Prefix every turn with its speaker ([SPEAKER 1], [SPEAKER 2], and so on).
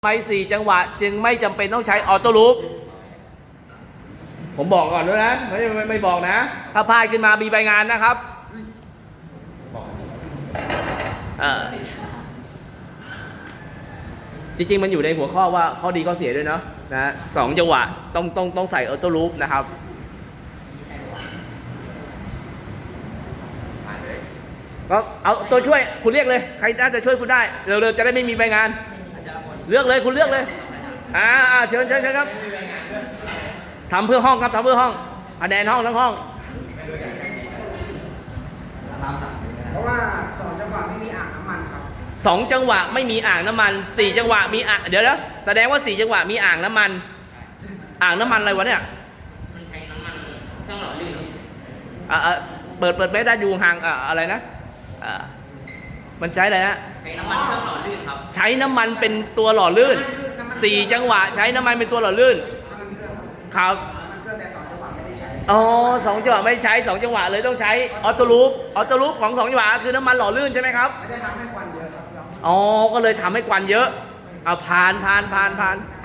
[SPEAKER 1] ไม่4 จังหวะจึงไม่จำเป็นต้องใช้ออโต้ลูปผมบอกก่อนด้วยนะไม่บอกนะถ้าพลาดขึ้นมามีใบงานนะครับจริงๆมันอยู่ในหัวข้อว่าข้อดีข้อเสียด้วยเนาะนะ2 จังหวะต้องใส่ออโต้ลูปนะครับก็เอาตัวช่วยคุณเรียกเลยใครน่าจะช่วยคุณได้เร็วๆจะได้ไม่มีใบงานเลือกเลยคุณเลือกเลยเชิญครับทำเพื่อห้องครับทำเพื่อห้องคะแนนห้องทั้งห้อง
[SPEAKER 2] เพราะว่า2 จังหวะไม่มีอ่างน้ำมันครับ
[SPEAKER 1] 2 จังหวะไม่มีอ่างน้ำมัน4 จังหวะมีอ่างเดี๋ยวแสดงว่า4 จังหวะมีอ่างน้ำมันอะไรวะเนี่ย
[SPEAKER 3] มันใช้น้ำมันเครื่องหล่อลื่น
[SPEAKER 1] เปิดเบสได้อยู่ห่างอะไรนะมันใช้อะไรนะ
[SPEAKER 3] ใช้น้ำมันเครื่องหล่อลื่นครับ
[SPEAKER 1] ใช้น้ำมันเป็นตัวหล่อลื่น4 จังหวะใช้น้ำมันเป็นตัวหล่อลื่นครับ
[SPEAKER 2] แต่2 จังหวะไม่ได้ใช้
[SPEAKER 1] 2 จังหวะไม่ใช้2 จังหวะเลยต้องใช้ออโต้ลูปของ2 จังหวะคือน้ำมันหล่อลื่นใช่ไหมครับ
[SPEAKER 2] มันจะทำให้ควันเยอะครับ
[SPEAKER 1] ก็เลยทำให้ควันเยอะผ่าน